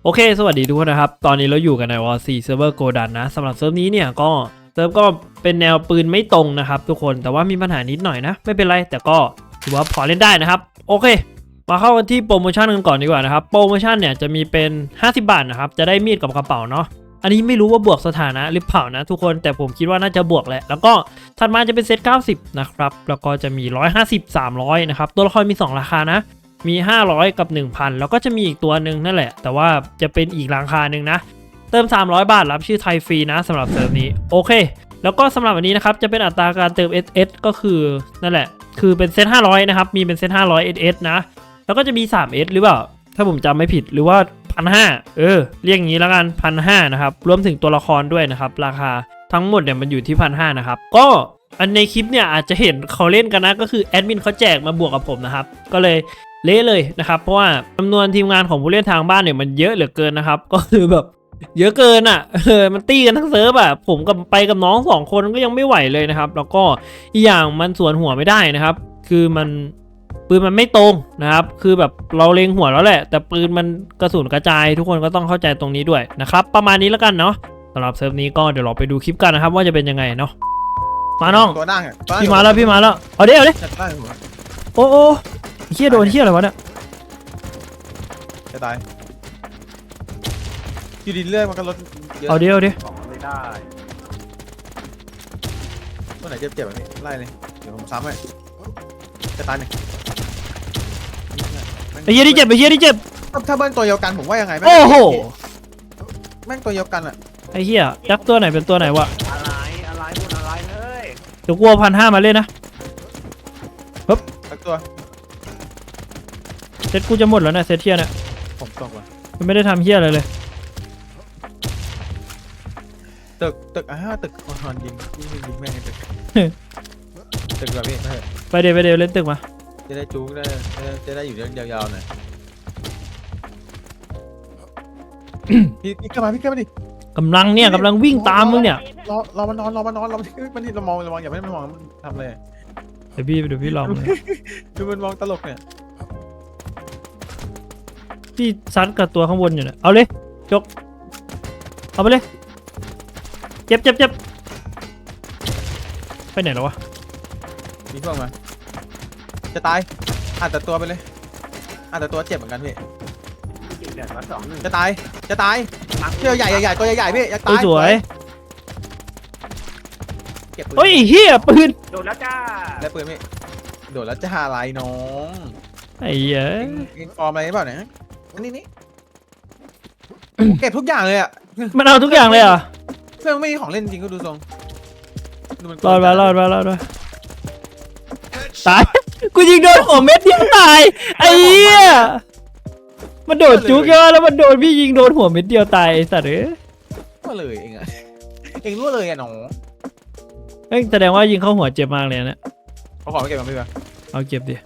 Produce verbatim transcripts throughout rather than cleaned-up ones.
โอเคสวัสดีทุกคนนะครับตอนนี้เราอยู่กันใน วอร์ โฟร์ Server Godan นะสำหรับเซิร์ฟนี้เนี่ยก็เซิร์ฟก็เป็นแนวปืนไม่ตรงนะครับทุกคนแต่ว่ามีปัญหานิดหน่อยนะไม่เป็นไรแต่ก็ถือว่าพอเล่นได้นะครับโอเคมาเข้ากันที่โปรโมชั่นกันก่อนดีกว่านะครับโปรโมชั่นเนี่ยจะมีเป็นห้าสิบบาทนะครับจะได้มีดกับกระเป๋าเนาะอันนี้ไม่รู้ว่าบวกสถานะหรือเปล่านะทุกคนแต่ผมคิดว่าน่าจะบวกแหละแล้วก็ถัดมาจะเป็นเซตเก้าสิบนะครับแล้วก็จะมีหนึ่งร้อยห้าสิบ สามร้อยนะครับตัวละครมีสองราคานะมีห้าร้อยกับ หนึ่งพัน แล้วก็จะมีอีกตัวหนึ่งนั่นแหละแต่ว่าจะเป็นอีกราคาหนึ่งนะเติมสามร้อยบาทรับชื่อไทยฟรีนะสำหรับเซิร์ฟนี้โอเคแล้วก็สำหรับวันนี้นะครับจะเป็นอัตราการเติม เอส เอส ก็คือนั่นแหละคือเป็นเซตห้าร้อยนะครับมีเป็นเซตห้าร้อย เอส เอส นะแล้วก็จะมี สาม เอส หรือเปล่าถ้าผมจำไม่ผิดหรือว่า หนึ่งพันห้าร้อย เออเรียกอย่างนี้แล้วกัน หนึ่งพันห้าร้อย นะครับรวมถึงตัวละครด้วยนะครับราคาทั้งหมดเนี่ยมันอยู่ที่ หนึ่งพันห้าร้อย นะครับก็อันในคลิปเนี่ยอาจจะเห็นเขาเล่นกันนะก็คือแอดมินเขาแจกมาบวกกับผมนะครับก็เลยเละเลยนะครับเพราะว่าจำนวนทีมงานของผู้เล่นทางบ้านเนี่ยมันเยอะเหลือเกินนะครับก็คือแบบเยอะเกินอ่ะเออมันตีกันทั้งเซิร์ฟอ่ะผมกับไปกับน้องสองคนก็ยังไม่ไหวเลยนะครับแล้วก็อีกอย่างมันสวนหัวไม่ได้นะครับคือมันปืนมันไม่ตรงนะครับคือแบบเราเล็งหัวแล้วแหละแต่ปืนมันกระสุนกระจายทุกคนก็ต้องเข้าใจตรงนี้ด้วยนะครับประมาณนี้แล้วกันเนาะสำหรับเซิร์ฟนี้ก็เดี๋ยวเราไปดูคลิปกันนะครับว่าจะเป็นยังไงเนาะมาน้องตัวนั่งอ่ะพี่มาแล้วพี่มาแล้วเอาเดี๋ยวเอาเดี๋ยวจัดได้หัวโอ้โอ้เฮียโดนเฮียอะไรวะเนี่ยจะตายอยู่ดีเรื่อยมันก็ลดเยอะเอาเดี๋ยวเอาเดี๋ยวของมันไม่ได้ตัวไหนเจ็บเจ็บแบบนี้ไล่เลยเดี๋ยวผมซ้ำให้จะตายหนึ่งไอ้เฮียที่เจ็บไอ้เฮียที่เจ็บถ้าเบิ้ลตัวเดียวกันผมว่ายังไงแม่งโอ้โหแม่งตัวเดียวกันอ่ะไอ้เฮียยักษ์ตัวไหนเป็นตัวไหนวะอะไรอะไรพูดอะไรเฮ้ยเดี๋ยวกลัวพันห้ามาเล่นนะสักตัวเซตกูจะหมดแล้วนะเซตเฮียเนี่ยผมตกว่ะมันไม่ได้ทำเฮียอะไรเลยตึกตึกอ่าตึกคอนยิงยิงยิงแม่งไอ้ตึกตึกแบบนี้เฮ้ยไปเดี๋ยวไปเดี๋ยวเล่นตึกมาจะได้จู๊ได้จะได้อยู่เรื่องยาวๆหน่อยพี่พี่ขึ้นมาพี่ขึ้นมาดิกำลังเนี่ยกำลังวิ่งตามมึงเนี่ยรอรอมันนอนรอมันนอนรอมันมันนี่เรามองเรามองอย่าให้มันมองมันทำเลยเดี๋ยวพี่เดี๋ยวพี่ลองเลยดูมันมองตลกเนี่ยพี่ซัดกับตัวข้างบนอยู่เนี่ยเอาเลยจกเอาไปเลยเจ็บเจ็บเจ็บไปไหนแล้ววะมีพวกมาจะตายอาจจะตัวไปเลยอาจจะตัวเจ็บเหมือนกันพี่จริงๆเดือดมาสองหนึ่งจะตายจะตายเชือกใหญ่ใหญ่ตัวใหญ่ๆพี่อยากเฮ้ตาย ยสวยเก็บปืนเฮ้ยเฮียปืนโดนแล้วจ้าได้ปืนพี่โดดแล้วจะหาอะไรน้องไอ้เหี้ยอินฟอร์มอะไรเปล่าเนี่ยอันนี้นี่เก็บทุกอย่างเลยอ่ะมันเอาทุกอย่างเลยเหรอ่ะเพื่อนไม่มีของเล่นจริงก็ดูทรงดูมันรอดมารอดมารอดมาตาย กูยิงโดนหัวเม็ดเดียวตายไอ้เหี้ยมันโดดจุกเยอะแล้วมันโดนพี่ยิงโดนหัวเม็ดเดียวตายไอ้สัตว์เอ้ยรั่วเลยเองอะเองรั่วเลยอะน้องเอ้ยแสดงว่ายิงเข้าหัวเจ็บมากเลยนะเขาขอไปเก็บมาพี่ป่ะเอาเก็บดิ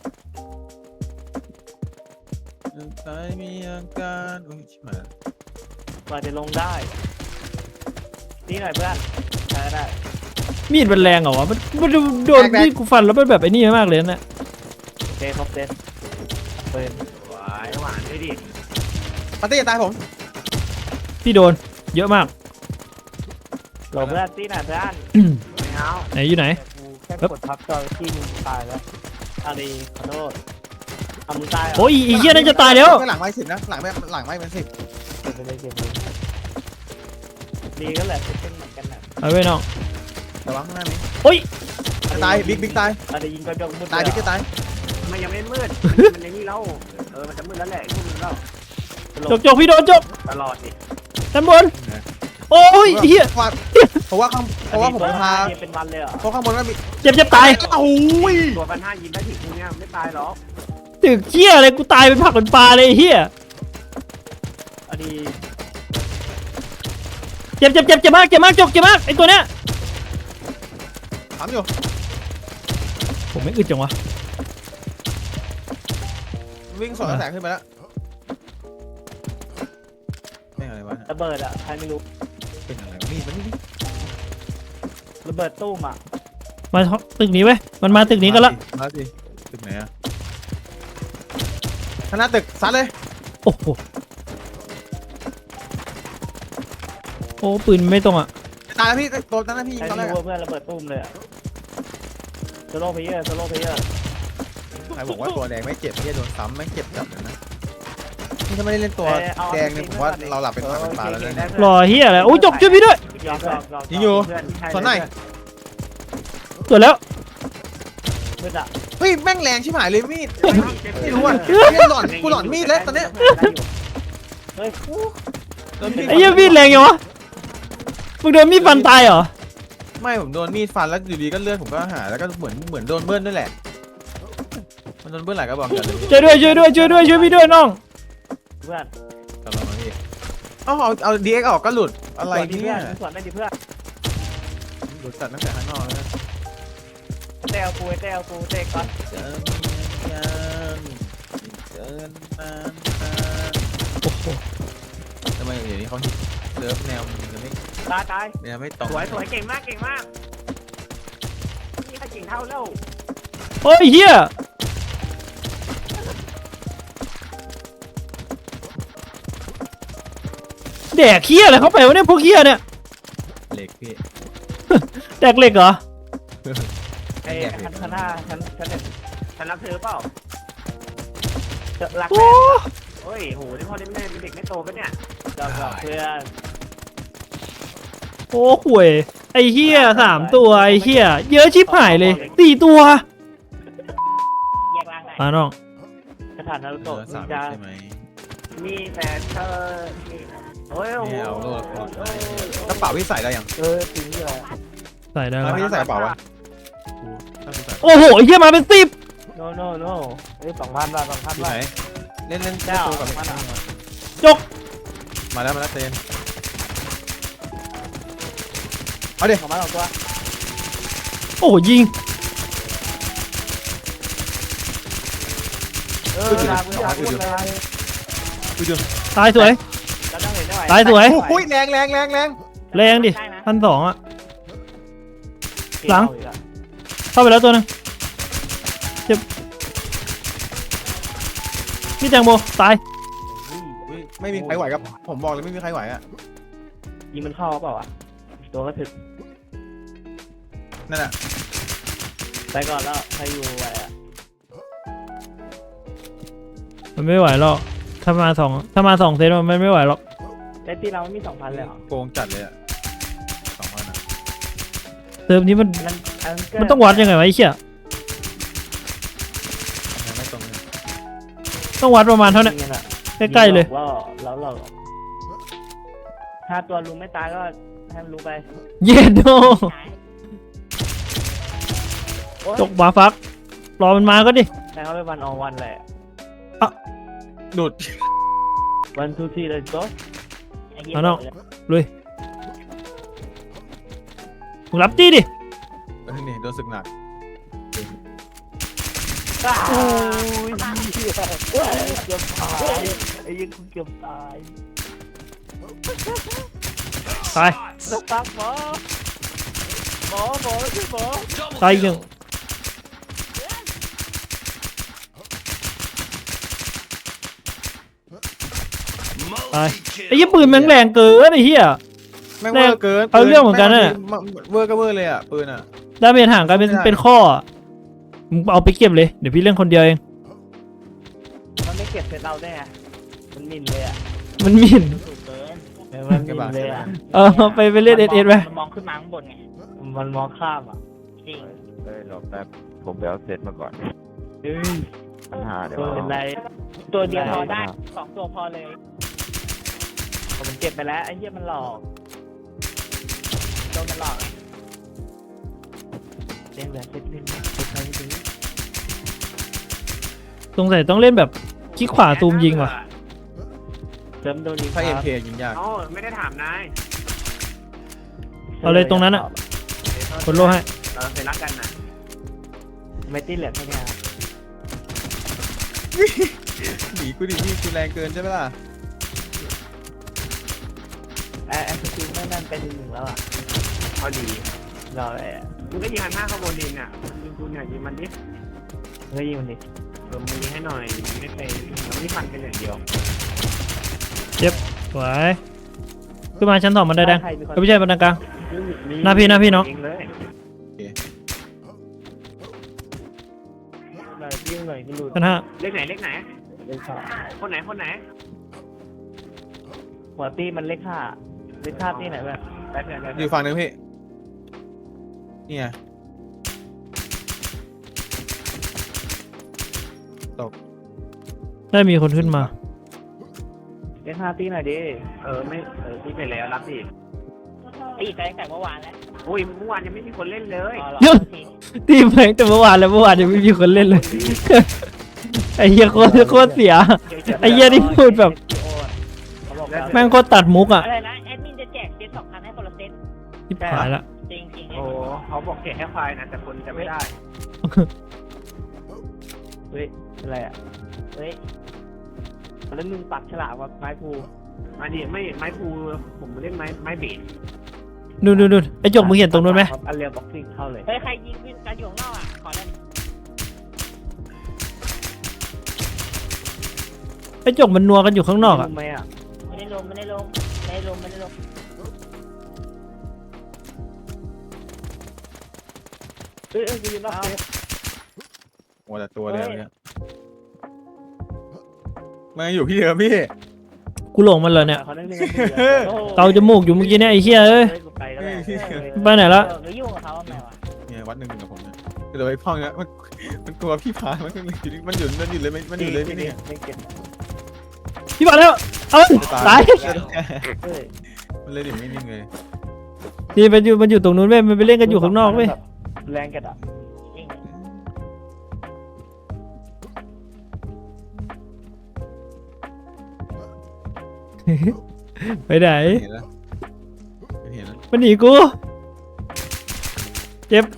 ตายมีอาการอุ้ยชิบหายกว่าจะลงได้นี่หน่อยเพื่อนใช้ได้มีดมันแรงเหรอวะมันมันโดนมีดกูฟันแล้วมันแบบไอ้นี่มากเลยนะโอเคครบเซตเปิดหวานหวานด้วยดิปาร์ตี้จะตายผมพี่โดนเยอะมากหลบเพื่อนตีหน่อยเพื่อนไม่เอาไหนอยู่ไหนกูแค่กดพับจอยที่มึงตายแล้วอารีขอโทษเอามึงตายเหรอโอ้ยอีเหี้ยนั่นจะตายแล้วหลังไม่สิบนะหลังไม่หลังไม่เป็นสิบเก็บไปเลยเก็บไปเลยดีก็แหละเป็นเหมือนกันนะเอาไว้น้องแต่ว่าข้างหน้านี้โอ้ยจะตายบิ๊กบิ๊กตายอารียิงกระจกมืดตายบิ๊กจะตายมันยังไม่มืดมันในนี่แล้วเออมันจะมืดแล้วแหละพวกมึงแล้วจกจกพี่โดนจกตลอดดิด้านบนโอ้ยเหี้ยเพราะว่าข้างเพราะว่าผมพาเป็นวันเลยเหรอเพราะข้างบนว่ามีเจ็บเจ็บตายโอ้ยตัวพันห้ายิงได้ถึงเนี่ยไม่ตายหรอกตึกเหี้ยอะไรกูตายเป็นผักเป็นปลาเลยไอ้เหี้ยอันนี้เจ็บเจ็บเจ็บเจ็บมากเจ็บมากจกเจ็บมากไอ้ตัวเนี้ยถามอยู่ผมไม่อึดจังวะวิ่งสวนกระแสขึ้นไปแล้วไม่อะไรวะระเบิดอ่ะใครไม่รู้เป็นอะไรนี่มันนี่ระเบิดตู้มอ่ะมาตึกนี้เว้ยมันมาตึกนี้กันละมาสิตึกไหนอะข้างหน้าตึกซัดเลยโอ้โหอ้ปืนไม่ตรงอ่ะตายแล้วพี่ตัวนั้นนะพี่ยิงใครตอนแรรู้กว่าเพื่อนระเบิดตุ้มเลยอะโซโล่เพลเยอร์โซโล่เพลเยอร์ใครบอกว่าตัวแดงไม่เจ็บไม่โดนซ้ำไม่เจ็บจับเลยนะนี่ถ้าไม่ได้เล่นตัวแดงเนี่ยผมว่าเราหลับเป็นผักเป็นปลาแล้วเนี่ยรอเฮียอะไรโอ้ยจบช่วยพี่ด้วยยอมยอมยอมยิงอยู่เพื่อนใช่สวนไหนสวยแล้วเพื่อนอะเฮ้ยแม่งแรงชิบหายเลยมีดไม่รู้อ่ะเล่นหลอนกูหลอนมีดแล้วตอนเนี้ยเฮ้ยโดนมีดไอ้เหี้ยมีดแรงยังวะมึงโดนมีดฟันตายเหรอไม่ผมโดนมีดฟันแล้วอยู่ดีก็เลือดผมก็หายแล้วก็เหมือนเหมือนโดนเบิ้ลด้วยแหละมันโดนเบิ้ลหลายกระบอกกันเลยช่วยด้วยช่วยด้วยช่วยด้วยช่วยพี่ด้วยน้องเพื่อนตลอดมาพี่เอาเอาเอาดีเอ็กออกก็หลุดอะไรสวนดิเนี่เพื่อย นสวนได้ดิเพื่อนหลุดสัตว์ตั้งแต่ข้างนอกแล้วนะเตะเอากูเตะเอากูเตะก่อนเจอกันเจอกันนานโอ้โหทำไมเดี๋ยวนี้เขาฮิตเลิฟแนวมันจะไม่ตายตายแนวไม่ตรงสวยสวยเก่งมากเก่งมากนี่ใครเก่งเท่าแล้วโอ้ยเฮียแดกเฮียอะไรเข้าไปวะเนี่ยพวกเฮียเนี่ยเหล็กพี่แดกเหล็กเหรอไอ้คันข้างหน้าฉันฉันเนี่ยฉันรักเธอเปล่าจะรักโอ้แม่โอ้ยโหที่พ่อที่แม่เป็นเด็กไม่โตปะเนี่ยยอมยอมเพื่อนโอ้ห่วยไอ้เฮียสามตัวไอ้เฮียเยอะชิบหายเลยสี่ตัวแยกร่างไหนมาน้องสถานนารุเอโตะอสามจะใช่ไหมมีแต่เธอโอ้ยโอ้โหไม่เอาโลดกระเป๋าพี่ใส่ได้ยังเออจริงเลยใส่ได้แล้แล้ว วพี่ใส่กระเป๋าวะถ้าพี่ใส่โอ้โหไอ้เฮียมาเป็นสิบโนโนโนเอ้ยสองพันบาทสองพันพี่บาไหนทเล่นเล่นเจ้าตัวกับสองพันบาทจกมาแล้วมาแล้วเตนเอาดิสองพันสองตัวโอ้โหยิงเออลาคุณจะพูดเลยดูดูตายสวยเราต้องเห็นได้ไหวตายสวยโอ้ยแรงแรงแรงแรงแรงดิพันสองอะหลังเข้าไปแล้วตัวหนึงเจ็บพี่แตงโมตายอุ๊ยไม่มีใครไหวครับผมบอกเลยไม่มีใครไหวอ่ะยิงมันเข้าเปล่าอ่ะตัวก็ถึกนั่นแหละไปก่อนแล้วใครอยู่ไหวอ่ะมันไม่ไหวหรอกถ้ามาสองถ้ามาสองเซตมันไม่ไหวหรอกในที่เราไม่มีสองพันเลยเหรอโกงจัดเลยอ่ะสองพันอ่ะเติมนี้มันมันอันเกิมันต้องวัดยังไงวะไอ้เชี่ยยังไม่ตรงเลยต้องวัดประมาณเท่านี้ใกล้ๆเลยว่าแล้วเราถ้าตัวลุงไม่ตายก็ให้มันลุงไปเย็นโดจกบาฟักรอมันมาก็ดิแต่เขาไปวันออวันเลยหลุดวันทูทีเลยก็เอาน้องลุยมึงรับจี้ดิเออนี่โดนศึกหนักโอ้ยเกือบตายไอ้ยังเกือบตายตายสักพักหมอหมอหมอช่วยหมอตายอีกหนึ่งตายไอ้ยี่ปืนแม่งแรงเกินไอ้เหี้ยแม่งเวอร์เกินเอาเรื่องเหมือนกันน่ะเวอร์ก็เวอร์เลยอ่ะปืนอ่ะดาเมจห่างกันเป็นไม่ได้เป็นข้ออะมึงเอาไปเก็บเลยเดี๋ยวพี่เล่นคนเดียวเองมันไม่เก็บเสร็จเราได้ไงมันมินเลยอ่ะมันหมิ่นถูกเกินมันมินเลยอ่ะเออไปไปเล่นเอสเอสไปมันมองขึ้นมาข้างบนไงมันมองข้ามอ่ะจริงเฮ้ยรอแป๊บผมไปเอาเซตมาก่อนเอ้ยปัญหาเดี๋ยวตัวเป็นไรตัวเดียวพอได้สองตัวพอเลยผมเก็บไปแล้วไอ้เหี้ยมันหลอกโดนมันหลอกเล่นแบบเล่นเล่นเล่นไปเรื่อยสงสัยต้องเล่นแบบคลิกขวาซูมยิงว่ะเติมโดนยิงถ้าเอ็มเคยิงยากเอ้าไม่ได้ถามนายเอาเลยตรงนั้นอะกดโลให้เราเคยรักกันนะไม่ตีเหลือแค่นี้หนีกูดิพี่กูแรงเกินใช่ไหมล่ะไอ้ไอ้สกิลไม่นั่นเป็นหนึ่งแล้วอ่ะพอดีรออะไรอ่ะมึงก็ยิงหันหน้าเข้าบนดินอ่ะยิงกูเนี่ยยิงมันดิเฮ้ยยิงมันดิเออมึงยิงให้หน่อยยิงไม่เป็นเราไม่ฟันกันอย่างเดียวสวยขึ้นมาชั้นสองบันไดแดงใครมีคนเอ้ยไม่ใช่บันไดกลาง หน้าพี่หน้าพี่เนอะยิงเลยหน่อยยิ่งหน่อยก็หลุดชั้นห้าเลขไหนเลขไหนเลขห้าคนไหนคนไหนหัวตี้มันเลขห้าเลขห้าที่ไหนแบบไปเพื่อนไปอเพื่อนยู่ฝั่งนึงพี่นี่ไงได้มีคนขึ้นมาเลขห้าที่ไหนดิเออไม่เออพี่ไปแล้วรับดิตีแต่แต่เมื่อวานแล้วโอ้ยเมื่อวานยังไม่มีคนเล่นเลยเยอะ ตีแม่งแต่เมื่อวานแล้วเมื่อวานยังไม่มีคนเล่นเลย ไอ้เหี้ยโคตรโคตรเสีย ไอ้เหี้ยนี่พูดแบบ แม่งโคตรตัดมุกอ่ะอะไรนะแอดมินจะแจกเซตสองพันให้คนละเซตทิบหายละจริงจริงโอ้เขาบอกแกะให้ควายนะแต่คนจะไม่ได้เฮ้ยอะไรอ่ะเฮ้ยแล้วมึงปักฉลากว่าไม้ภูอันนี้ไม่ไม้ภูผมเล่นไม้ไม้เบสดูดูดูไอ้จกมึงเห็นตรงนู้นไหมอันเรียบ็อกซิ่งเข้าเลยเฮ้ยใครยิงวินกันอยู่ข้างนอกอ่ะขอได้ไอ้จกมันนัวกันอยู่ข้างนอกอ่ะรู้ไหมอ่ะไม่ได้ลงไม่ได้ลงไม่ได้ลงไม่ได้ลงเอ้ยเอ้ยกูยืนรอบเซฟโอ้แต่ตัวเดียวเนี่ยมันอยู่พี่เดิมพี่กูหลงมันเลยเนี่ยเขาเล่นเล่นกันอยู่เกาจมูกอยู่เมื่อกี้เนี่ยไอ้เหี้ยเอ้ยเฮ้ยกูไปแล้วแหละไปไหนละหรือยุ่งกับเขาทำไมวะเนี่ยวัดหนึ่งหนึ่งกับผมเนี่ยเดี๋ยวไอ้พ่อเนี่ยมันมันกลัวพี่พามันมันอยู่มันอยู่มันอยู่เลยมันอยู่เลยพี่เนี่ยไม่เก็บพี่มาแล้วเอ้ยตายเฮ้ยมันเลยอยู่ไม่นิ่งเลยนี่มันอยู่มันอยู่ตรงนู้นเว้ยมันไปเล่นกันอยู่ข้างนอกเว้ยแรงกันอ่ะจริงไปไหนเห็นแล้วเห็นแล้วมันหนีกูเจ็บ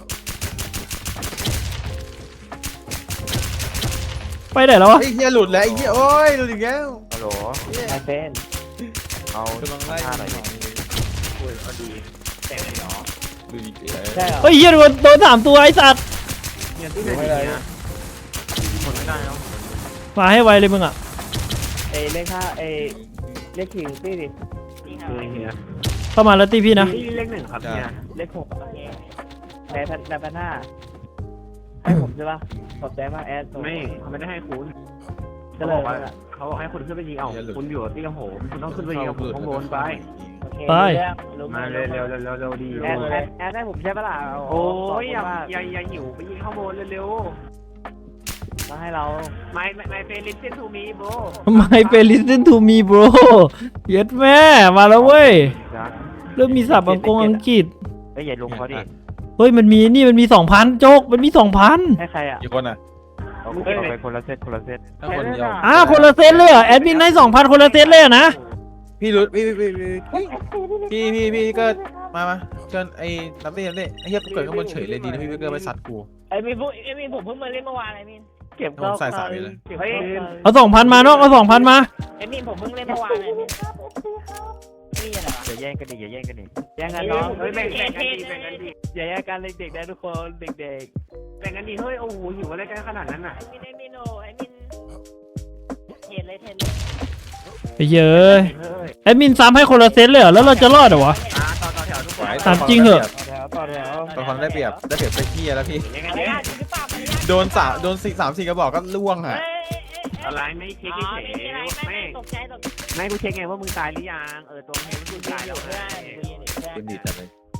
ไปไหนแล้ววะไอ้เหี้ยหลุดแล้วไอ้เหี้ยโอ้ยหลุดอีกแล้วฮัลโหลไอเฟนเอากำลังไล่ห้าหน่อยดิโอ้ยพอดีแต่ไม่หรอหลุดอีกแล้วใช่เหรอเฮ้ยเหี้ยโดนโดนสามตัวไอ้สัตว์เนี่ยที่ไหนเนี่ยคนไม่ได้แล้วมาให้ไวเลยมึงอ่ะเอเลขห้าเอเลขสี่ตี้ดิจริงเออเนี่ยเข้ามาแล้วตีพี่นะนี่เลขหนึ่งครับเนี่ยเลขหกแต่พันแต่พันห้าให้ผมใช่ปะขอบใจมากแอดไม่เขาไม่ได้ให้คุณก็เขาเลบยอกว่าเขาบอกให้คุณขึ้นไปยิงเอาคุณอยู่ที่กระโหมคุณต้องขึ้นไปยิงกับผมข้างบนไปโอเคไปมาเร็วเร็วเร็วเร็วเร็วดีแอดแอดแอดให้ผมใช่ปะล่ะโอ้ยอย่าอย่าอย่าหิวไปยิงข้างบนเร็วมาให้เราๆไม่ไม่ไม่เป็นลิสเซนทูมีโบ My p a listen to me bro เย็ดแม่มาแล้วเว้ยจ้ะเริ่มมีศัพท์อังกฤษอังกฤษเอ้ยอย่าลงเขาดิเฮ้ยมันมีนี่มันมีสองพันโจกมันมีสองพันให้ใครอ่ะกี่คนอ่ะเอาเอาไปคนละเซตคนละเซตถ้าคนเดียวอ่าคนละเซตเลยเหรอแอดมินให้สองพันคนละเซตเลยเหรอนะพี่รุดพี่พี่พี่พี่พี่พี่พี่ก็มามาเชิญไอ้นับเต้นับเต้ไอ้เหี้ยเกิดข้างบนเฉยเลยดีนะพี่พี่เกิดไปสัตว์กูไอ้มินพวกไอ้มินผมเพิ่งมาเล่นเมื่อวานไอ้มินเก็บผมใส่สามไปเลยเก็บเฮ้ยเอาสองพันมาเนาะเอาสองพันมาไอ้มินผมเพิ่งเล่นเมื่อวานไอ้มินนี่อะไรวะอย่าแย่งกันดิอย่าแย่งกันดิแย่งกันน้องเฮ้ยแบ่งแบ่งกันดีแบ่งกันดีอย่าแย่งกันเด็กๆนะทุกคนเด็กแบ่งกันดีเฮ้ยโอ้โหหิวอะไรกันขนาดนั้นน่ะไอ้มินไอ้มินโอไอ้มินเห็นเลยเห็นเลยไอ้เย้ยเฮ้ยแอดมินซ้ำให้คนละเซตเลยเหรอแล้วเราจะรอดเหรอวะอ่าต่อต่อแถวทุกคนถามจริงเหอะๆแถวต่อแถวตอนคนได้เปรียบได้เปรียบไปเหี้ยแล้วพี่ยังไงอะไรเนี่ยอ่ะจริงหรือเปล่าอะไรอ่ะโดนสามโดนสี่สามสี่กระบอกก็ล่วงเอ้อ่ะยเอ้ยเอ้ยอะไรไม่เช็คอ๋อเฉไม่ยมีอะไรๆไม่ไม่ตกใจตกใจไม่กูเช็คไงว่ามึงตายหรือยังเออตัวมึงมึงตายแล้วเพื่ไงอนเพื่อนเป็นดีจังเลย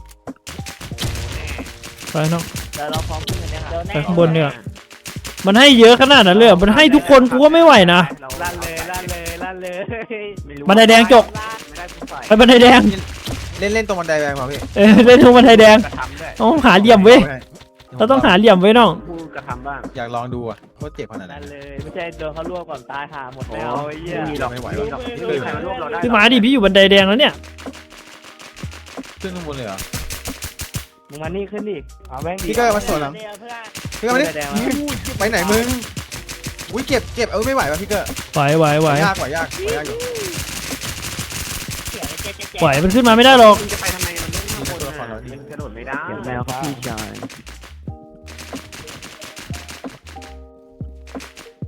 ไปน้องเดี๋ยวเราพร้อมขึ้นกันเนี่ยค่ะเดี๋ยวแน่ไปข้างบนเนี่ย มันให้เยอะขนาดนั้นเลยเหรอมันให้ทุกคนกูก็ไม่ไหวนะลั่นเลยลั่นเลยลั่นเลยบันไดแดงจกไม่ได้กูใส่ไปบันไดแดงเล่นเล่นตรงบันไดแดงมาพี่เออเล่นทุกบันไดแดงกระทำด้วยต้องหาเหลี่ยมเว้ยเราต้องหาเหลี่ยมไว้น้องกูกระทำบ้างอยากลองดูอ่ะว่าเจ็บขนาดไหนลั่นเลยไม่ใช่โดนเขาลวกก่อนตายหาหมดไม่เอาไอ้เหี้ยไม่มีหรอกไม่ไหวไม่มีหรอกไม่มีใครมารวบเราได้พี่มาดิพี่อยู่บันไดแดงแล้วเนี่ยขึ้นข้างบนเลยเหรอมึงมานี่ขึ้นอีกเอาแม่งพี่ก็มาสวนหลังเดี๋ยวเพื่อนพี่ก็มาดิไปไหนมึงอุ้ยเก็บเก็บเออไม่ไหวป่ะพี่เกอร์ไหวไหวไหวยากกว่ายากกว่ายากอยู่เสียงเจ๊เจ๊เจ๊ไหวมันขึ้นมาไม่ได้หรอกมึงจะไปทำไมมันเล่นข้างบนน่ะมันกระโดดไม่ได้เก็บแมวครับพี่ชาย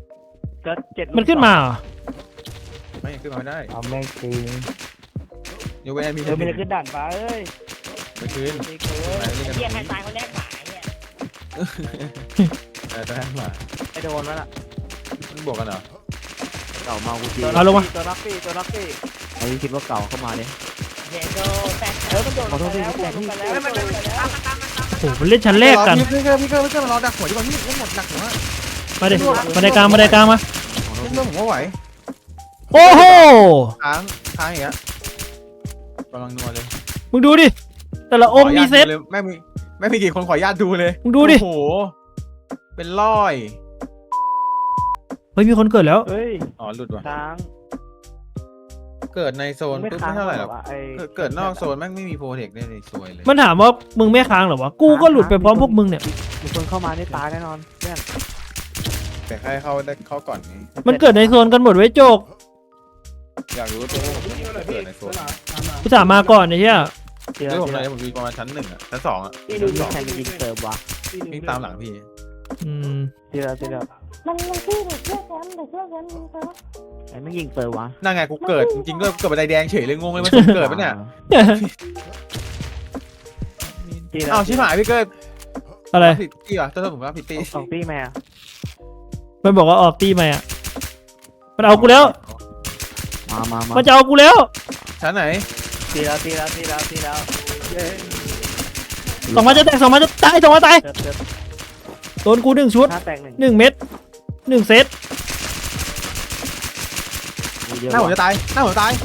ก็เจ็ดมันขึ้นมาเหรอไม่ขึ้นมาไม่ได้เอาแม่งจริงยกเว้นมีเออไม่ได้ขึ้นด่านฟ้าเอ้ยไม่คืนไม่เคยไม่เล่นกันเยี่ยมให้ตายคนแรกหมายเนี่ยเออจะได้มาไอโดนแล้วล่ะมึงบวกกันเหรอเก่ามากูจีเอาลงมาตัวรักปี้ตัวรักปี้ไอ้คิดว่าเก่าเข้ามาเลยเดี๋ยวโดนแตกเออมันโดนขอโทษพี่แล้วแตกพี่มันโดนไปแล้วโอ้โหมันเล่นชั้นแรกกันพี่เกอร์พี่เกอร์พี่เกอร์มารอดักหัวดีกว่าพี่เล่นหมดดักหัวมาดิมาในกลางมาในกลางมาเล่นเรื่องผมว่าไหวโอ้โหค้างค้างอย่างเงี้ยกำลังนัวเลยมึงดูดิแต่ละองค์มีเซตแม่มีแม่มีกี่คนขออนุญาตดูเลยมึงดูดิโอ้โหเป็นร้อยเฮ้ยมีคนเกิดแล้วเฮ้ยอ๋อหลุดว่ะค้างเกิดในโซนปุ๊บไม่เท่าไหร่หรอกไอ้เกิดเกิดนอกโซนแม่งไม่มีโปรเทคได้เลยซวยเลยมันถามว่ามึงไม่ค้างเหรอวะกูก็หลุดไปพร้อมพวกมึงเนี่ยมีคนเข้ามานี่ตายแน่นอนเพื่อนแต่ใครเข้าได้เข้าก่อนไงมันเกิดในโซนกันหมดไว้โจกอยากรู้ตัวผมเกิดในโซนกูถามมาก่อนไอ้เหี้ยเดี๋ยวด้วยผมเดี๋เลยยวผมอยู่ประมาณชั้นหนึ่งอ่ะชั้นสองอ่ะพี่ดูดิใครมายิงเติมวะวิ่งตามหลังพี่อืมเดี๋ยวเดี๋ยวเดี๋ยวมันมันชื่อเด็กเชื่อแชมป์เด็กเชื่อแชมป์มึงเจอไอ้ไม่ยิงเติมวะนั่นไงกูเกิดจริงๆด้วยเกิดบันไดแดงเฉยเลยงงเลยมันสมเกิดปะเนี่ยตีแล้วอ้าวชิบหายพี่เกิดอะไรผิดตีเหรอตัวผมว่าผิดตีสองตีแม่มันบอกว่าออกตีมาอ่ะมันเอากูแล้วมามามามันจะเอากูแล้วชั้นไหนตีแล้วตีแล้วตีแล้วตีแล้วเย้สองมาจะแตกสองมาจะตายสองมาตายเติมเติมโดนกูหนึ่งชุดห้าแตกหนึ่งหนึ่งเม็ดหนึ่งเซตเยอะหน้าผมจะตายหน้าผมจะตาย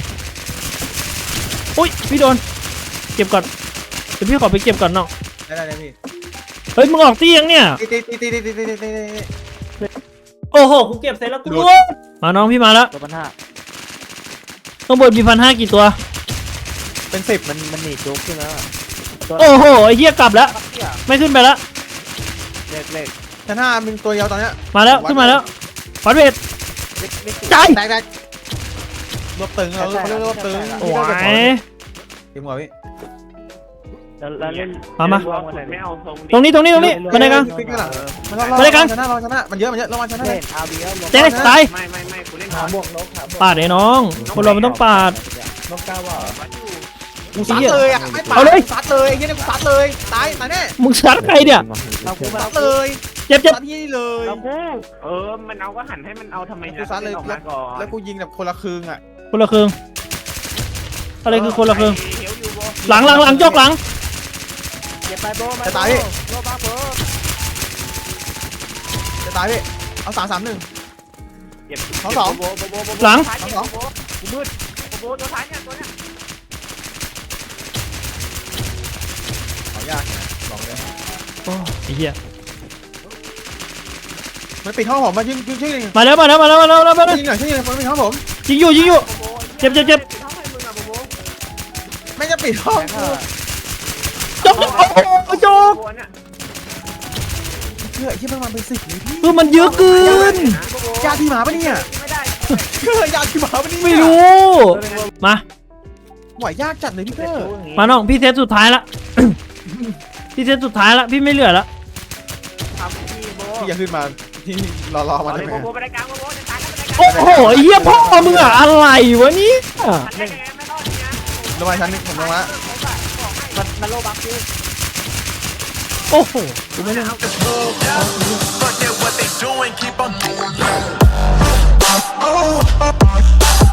อุ้ยพี่โดนเก็บก่อนเดี๋ยวพี่ขอไปเก็บก่อนน้องได้ได้ได้พี่เฮ้ยมึงออกตียังเนี่ยตีตีตีตีตีตีตีตีโอ้โหกูเก็บเสร็จแล้วกูมาน้องพี่มาแล้วตัวพันห้าข้างบนมีพันห้ากี่ตัวเป็นสิบมันมันหนีจุกขึ้นแล้วอะตัวโอ้โหไอ้เหี้ยกลับแล้วปักเกี้ยไม่ขึ้นไปแล้วเล็กเล็กชั้นห้ามีตัวเดียวตอนเนี้ยมาแล้วขึ้นมาแล้วฟัดเวทเล็กเล็กใจแตกแตกรวบตึงเราเขาเรียกรวบตึงโอ้ยทีมหัวพี่แล้วแล้วเล่นมามาเล่นวงวันไหนไม่เอาทรงตรงนี้ตรงนี้ตรงนี้มาในกลางปิ๊กข้างหลังมันมาเลยกันชนะเราชนะมันเยอะมันเยอะระวังชนะเล่นอาร์บีแล้วลงเจ๊ตายไม่ไม่ไม่กูเล่นหาบวกนกหาบวกปาดไอ้น้องคนเรามันต้องปาดนกก้าวว่ากูซัดเลยอ่ะไม่ปาเอาเลยซัดเลยไอ้เหี้ยเนี่ยกูซัดเลยตายตายแน่มึงซัดใครเนี่ยเรากูมาซัดเลเลย ยเจ็บเจ็บซัดที่เลยเรากูเออมันเอาก็หันให้มันเอาทำไมกูซัดเลยออกมาก่อนแล้วกูยิงแบบคนละครึ่งอ่ะคนละครึ่งอะไรคือคนละครึ่งเหียวอยู่โบหลังหลังหลังจกหลังเก็บไปโบมาจะตายพี่โบบ้าโบจะตายพี่เอาสามสามหนึ่งเก็บสองสองโบโบโบโบหลังท้ายเนี่ยโบกูมืดโบตัวท้ายเนี่ยตัวเนี้ยขอยากนะบอกเลยโอ้ไอ้เหี้ยมันปิดห้องผมมายิงยิงช่วยยิงมาแล้วมาแล้วมาแล้วมาแล้วมาแล้วมาแล้วยิงหน่อยช่วยยิงมันปิดห้องผมยิงอยู่ยิงอยู่โบเจ็บเจ็บเจ็บทำให้มึงอะโบโบไม่จะปิดห้องกูจกจกโอ้โหจกโบเนี่ยเชื่อไอ้ที่มันมาเป็นสิบเลยพี่คือมันเยอะเกินญาติพี่หมาปะเนี่ยไม่ได้เชื่อญาติพี่หมาปะเนี่ยไม่รู้ มาไหวยากจัดเลยพี่เกอร์มาน้องพี่เซตสุดท้ายละ พี่เซตสุดท้ายละพี่ไม่เหลือละทำที่โบพี่อย่าขึ้นมาที่รอรอมาเอาเลได้ยไหมโบโบไปได้กลางโบโบจะตายแล้วไปได้กลางโอ้โหไอ้เหี้ยพ่อมึงอะอะไรวะเนี่ยมันได้ไงไม่รอดเนี่ยลงมาชั้นนึงผมลงละมันมันโลบักกูโอ้โหกูไม่ได้ Forget what they doing, keep on doing.